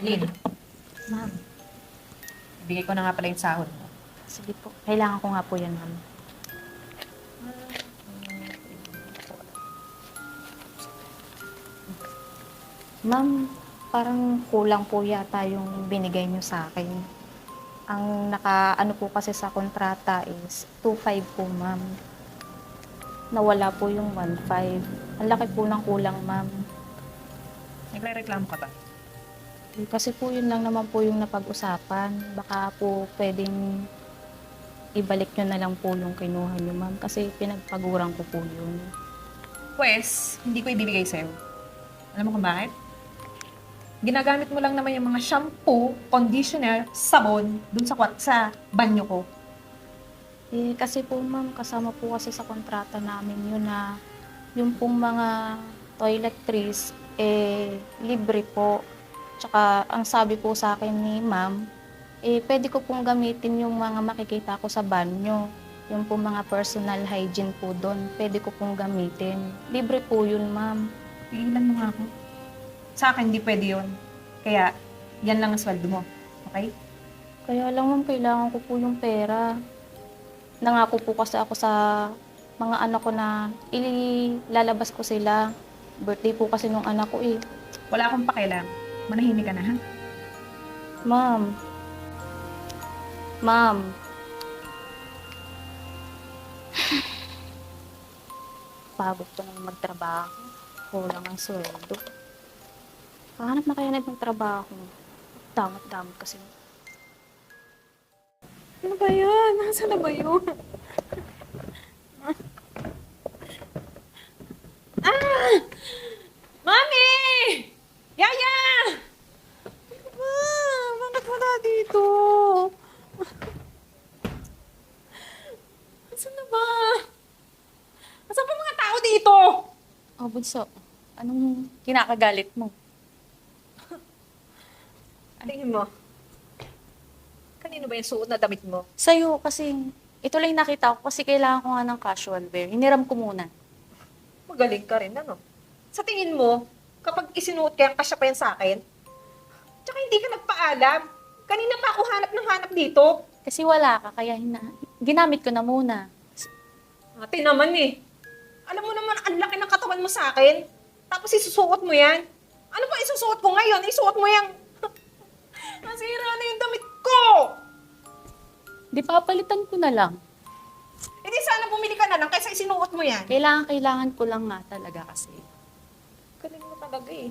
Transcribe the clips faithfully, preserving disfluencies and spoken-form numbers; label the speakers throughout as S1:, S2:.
S1: Lynn,
S2: Ma'am,
S1: ibigay ko na nga pala yung sahod mo.
S2: sige po. Kailangan ko nga po yan, ma'am. Ma'am, parang kulang po yata yung binigay niyo sa akin. Ang naka, ano po kasi sa kontrata is two five po, ma'am. Nawala po yung one five. Ang laki po ng kulang, ma'am.
S1: Nagre-reklamo ka ba?
S2: Eh, Kasi po yun lang naman po yung napag-usapan. Baka po pwedeng ibalik nyo na lang po yung kinuha nyo, ma'am. Kasi pinagpaguran ko po yun.
S1: Pwes, hindi ko ibibigay sa'yo. Alam mo kung bakit? Ginagamit mo lang naman yung mga shampoo, conditioner, sabon, dun sa, kwat- sa banyo ko.
S2: Eh, kasi po ma'am, kasama po kasi sa kontrata namin yun na yung pong mga toiletries, eh, libre po. Tsaka, ang sabi po sa akin ni ma'am, eh, pwede ko pong gamitin yung mga makikita ko sa banyo. Yung pong mga personal hygiene po doon, pwede ko pong gamitin. Libre po yun, ma'am.
S1: Pigilan mo nga ako. Sa akin, hindi pwede yun. Kaya, yan lang ang sweldo mo. Okay?
S2: Kaya lang ma'am, kailangan ko po yung pera. Nangako po kasi ako sa mga anak ko na ilalabas ko sila. Birthday po kasi nung anak ko eh.
S1: Wala akong pakialam. Manahimik ka na, ha?
S2: Ma'am. Ma'am. Pagod ko nang magtrabaho. Kulang ang sweldo. Kahanap na kaya na ng trabaho. Damot-damot kasi.
S3: Ano ba yan? Nasaan na ba yun? Ah! Mami! Yaya! Ano ba? Bakit wala dito? Nasaan na ba? Nasaan ba mga tao dito?
S2: Oh, Bunso. Anong kinakagalit mo?
S1: Alingin mo. Kanino ba yung suot na damit mo?
S2: Sa'yo kasi, ito lang yung nakita ko kasi kailangan ko nga ng casual wear. Hiniram ko muna.
S1: Magaling ka rin, ano? Sa tingin mo, kapag isinuot ka yan, kasya pa yan sa akin? Tsaka hindi ka nagpaalam. Kanina pa ako hanap ng hanap dito.
S2: Kasi wala ka, kaya hina ginamit ko na muna.
S1: Ate naman eh. Alam mo naman, ang laki ng katawan mo sa akin. Tapos isusuot mo yan. Ano ba isusuot ko ngayon? Isuot mo yung... Nasira na yung damit ko!
S2: Di papalitan ko na lang.
S1: Hindi sana bumili ka na lang kaysa isinuot mo yan.
S2: Kailangan, kailangan ko lang nga talaga kasi.
S1: Galing mo talaga eh.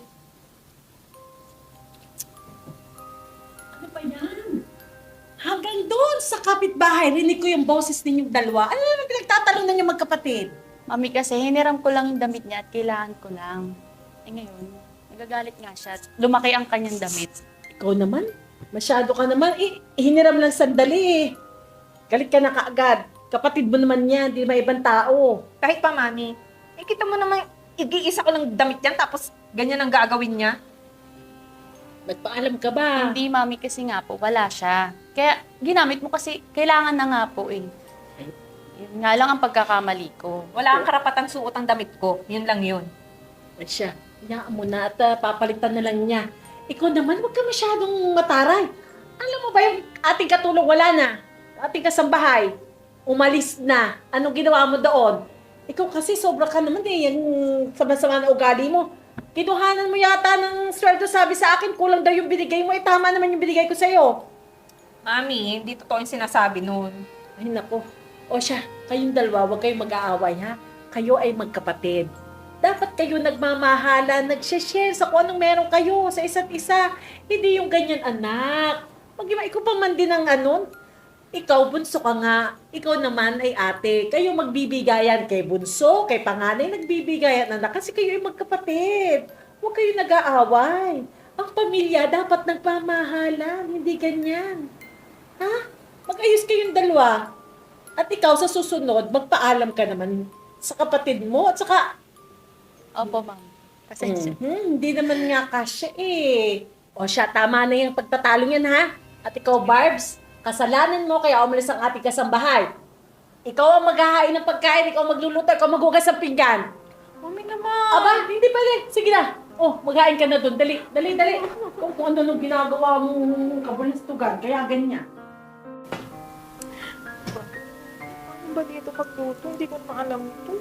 S4: Ano ba yan? Hanggang doon sa kapitbahay, rinig ko yung boses ninyong dalawa. Ano naman pinagtatanong ninyo magkapatid?
S2: Mami kasi, hiniram ko lang yung damit niya at kailangan ko lang. Eh ngayon, nagagalit nga siya. at Lumaki ang kanyang damit.
S4: Ikaw naman, masyado ka naman. Eh, hiniram lang sandali eh. Galit ka na kaagad. Kapatid mo naman yan, di ba ibang tao.
S1: Kahit pa, mami. Eh, kita mo naman, igi-isa ko lang damit yan, tapos ganyan ang gagawin niya.
S4: Nagpaalam ka ba?
S2: Hindi, mami, kasi nga po, wala siya. Kaya, ginamit mo kasi, kailangan na nga po eh. Yun nga lang ang pagkakamali ko.
S1: Wala kang karapatang suot ang damit ko. Yun lang yun.
S4: At siya, hayaan mo na at ah, papalitan na lang niya. Ikaw naman, huwag ka masyadong mataray. Alam mo ba yung ating katulong wala na? Ating kasambahay, umalis na. Anong ginawa mo doon? Ikaw kasi sobra ka naman eh, yung sama-sama na ugali mo. Kinuhanan mo yata ng sweldo, sabi sa akin, kulang daw yung binigay mo. Eh, tama naman yung binigay ko sa'yo.
S1: Mami, hindi totoo yung sinasabi nun.
S4: Ay, nako. O siya, kayong dalawa, huwag kayong mag-aaway, ha? Kayo ay magkapatid. Dapat kayo nagmamahala, nag-share sa kung anong meron kayo sa isa't isa. Hindi yung ganyan, anak. Mag-iba, ikaw pa man din ang ano. Ikaw, bunso ka nga. Ikaw naman ay ate. Kayo magbibigayan kay bunso, kay panganay, nagbibigayan, anak. Kasi kayo ay magkapatid. Huwag kayo nag-aaway. Ang pamilya dapat nagmamahalan, hindi ganyan. Ha? Mag-ayos kayong dalawa. At ikaw sa susunod, magpaalam ka naman sa kapatid mo at saka
S2: Opo, ma'am. Pasensya.
S4: Mhm, hindi naman nga kasya eh. O siya, tama na yung pagtatalo niyan ha. At ikaw, Barbs, kasalanan mo kaya umalis ang ating kasambahay. Ikaw ang maghahain ng pagkain, ikaw ang magluluto, ikaw maghugas ng pinggan.
S3: Mami naman.
S4: Aba, hindi pala. Sige na, Oh, maghain ka na doon. Dali, dali, dali. Kung, kung ano nung ginagawa mong kabalistugan, kaya ganyan.
S1: Ano ba dito pagluto? Hindi ko na alam ito.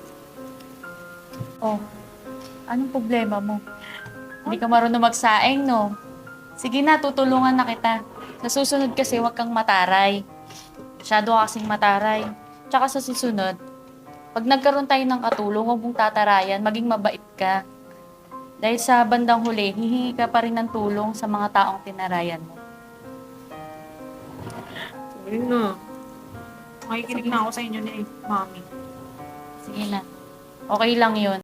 S5: Oh, anong problema mo? Hindi ka marunong magsaing, no? Sige na, tutulungan na kita. Sa susunod kasi, huwag kang mataray. Masyado ka kasing mataray. Tsaka sa susunod, pag nagkaroon tayo ng katulong, huwag mong tatarayan, maging mabait ka. Dahil sa bandang huli, hihingi ka pa rin ng tulong sa mga taong tinarayan mo.
S1: Sorry na. Makikinig na ako sa inyo ni Mami.
S5: Sige na. Okay lang yun.